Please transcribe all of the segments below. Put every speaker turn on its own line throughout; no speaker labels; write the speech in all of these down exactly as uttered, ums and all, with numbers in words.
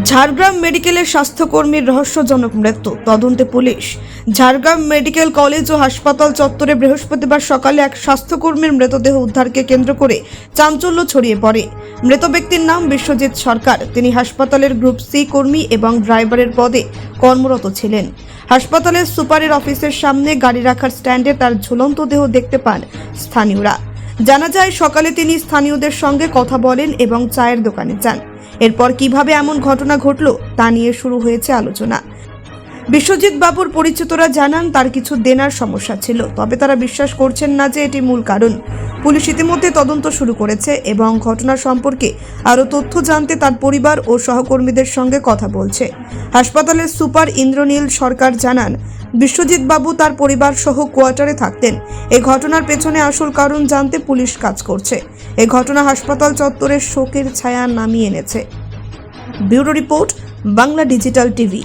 ঝাড়গ্রাম মেডিকেলের স্বাস্থ্যকর্মীর রহস্যজনক মৃত্যু তদন্তে পুলিশ। ঝাড়গ্রাম মেডিকেল কলেজ ও হাসপাতাল চত্বরে বৃহস্পতিবার সকালে এক স্বাস্থ্যকর্মীর মৃতদেহ উদ্ধারকে কেন্দ্র করে চাঞ্চল্য ছড়িয়ে পড়ে। মৃত ব্যক্তির নাম বিশ্বজিৎ সরকার। তিনি হাসপাতালের গ্রুপ সি কর্মী এবং ড্রাইভারের পদে কর্মরত ছিলেন। হাসপাতালের সুপারের অফিসের সামনে গাড়ি রাখার স্ট্যান্ডে তার ঝুলন্ত দেহ দেখতে পান স্থানীয়রা। জানা যায় সকালে তিনি স্থানীয়দের সঙ্গে কথা বলেন এবং চায়ের দোকানে যান। এরপর কিভাবে এমন ঘটনা ঘটল তা নিয়ে শুরু হয়েছে আলোচনা। বিশ্বজিৎ বাবুর পরিচিতরা জানান তার কিছু দেনার সমস্যা ছিল, তবে তারা বিশ্বাস করছেন না যে এটি মূল কারণ। পুলিশ ইতিমধ্যে তদন্ত শুরু করেছে এবং ঘটনা সম্পর্কে আরও তথ্য জানতে তার পরিবার ও সহকর্মীদের সঙ্গে কথা বলছে। হাসপাতালের সুপার ইন্দ্রনীল সরকার জানান, বিশ্বজিৎ বাবু তার পরিবার সহ কোয়ার্টারে থাকতেন। এই ঘটনার পেছনে আসল কারণ জানতে পুলিশ কাজ করছে। এই ঘটনা হাসপাতাল চত্বরের শোকের ছায়া নামিয়ে এনেছে। Bureau report, Bangla digital TV.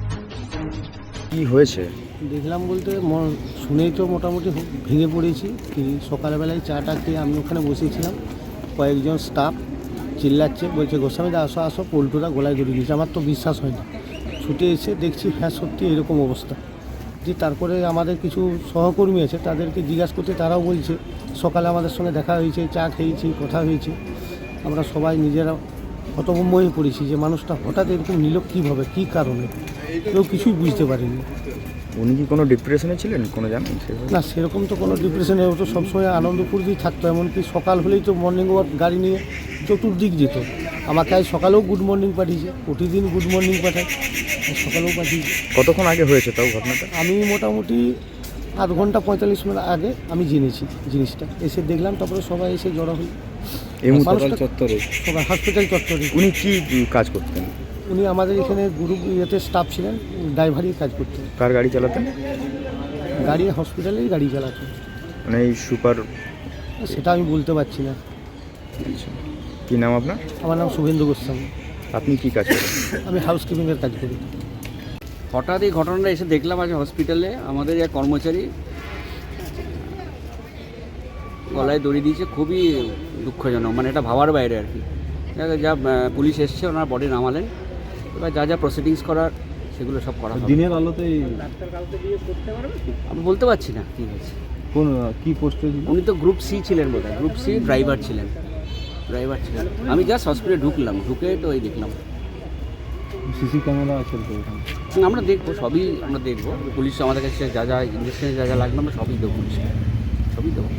কি হয়েছে
দেখলাম বলতে ম- শুনেই তো মোটামুটি ভেঙে পড়েছি। কি সকালবেলায় চাটা খেয়ে আমি ওখানে বসেছিলাম, কয়েকজন স্টাফ চিল্লাচ্ছে, বলছে গোস্বামী দা আসো আসো, পল্টুরা গলায় দড়ি দিয়েছে। আমার তো বিশ্বাস হয় না, ছুটে এসে দেখছি হ্যাঁ সত্যি এরকম অবস্থা। যে তারপরে আমাদের কিছু সহকর্মী আছে, তাদেরকে জিজ্ঞাসা করতে তারাও বলছে সকালে আমাদের সঙ্গে দেখা হয়েছে, চা খেয়েছি, কথা হয়েছে। আমরা সবাই নিজেরা হতভম্ব হয়ে পড়েছি যে মানুষটা হঠাৎ এরকম নিল কীভাবে, কী কারণে, কেউ কিছুই বুঝতে পারিনি।
উনি কি কোনো ডিপ্রেশনে ছিলেন কোনো জানেন?
না, সেরকম তো কোনো ডিপ্রেশনে, ও তো সবসময় আনন্দপুর দিয়ে থাকতো। এমনকি সকাল হলেই তো মর্নিং ওয়াক গাড়ি নিয়ে চতুর্দিক যেত। আমাকে আজ সকালেও গুড মর্নিং পাঠিয়েছে, প্রতিদিন গুড মর্নিং পাঠায়, সকালেও পাঠিয়েছে।
কতক্ষণ আগে হয়েছে তাও ঘটনাটা?
আমি মোটামুটি আধ ঘন্টা পঁয়তাল্লিশ মিনিট আগে আমি জেনেছি জিনিসটা, এসে দেখলাম, তারপরে সবাই এসে জড়ো হল।
এই
মানুষটা
চত্বরে
সবাই হসপিটাল চত্বরে।
উনি কি কাজ করতেন?
উনি আমাদের এখানে গ্রুপ ইয়েতে স্টাফ ছিলেন, ড্রাইভারই কাজ করতেন।
কার গাড়ি চালাতেন?
গাড়ি হসপিটালেই গাড়ি চালাতেন।
মানে এই সুপার?
সেটা আমি বলতে পারছি না।
কি নাম আপনার?
আমার নাম শুভেন্দু গোস্বামী।
আপনি কি কাজ করেন?
আমি হাউসকিপিংয়ের কাজ করি।
হঠাৎ এই ঘটনাটা এসে দেখলাম আজ হসপিটালে আমাদের এক কর্মচারী গলায় দড়ি দিয়েছে। খুবই দুঃখজনক, মানে এটা ভাবার বাইরে আর কি। যা পুলিশ এসছে, ওনার বডি নামালেন, এবার যা যা প্রসিডিংস করার সেগুলো সব করা হবে।
দিনের আলোতে
আমি বলতে পারছি না কী হয়েছে।
কোন কি পোস্টে?
উনি তো গ্রুপ সি ছিলেন বোধহয়, গ্রুপ সি ড্রাইভার ছিলেন ড্রাইভার ছিলেন আমি জাস্ট হসপিটালে ঢুকলাম, ঢুকে তো এই দেখলাম।
সিসি ক্যামেরা আছে তো ওখানে?
আমরা দেখবো, সবই আমরা দেখবো। পুলিশ আমাদের কাছে যা যা ইঞ্জেকশনে যা যা লাগবে আমরা সবই দেবো, পুলিশকে সবই দেবো।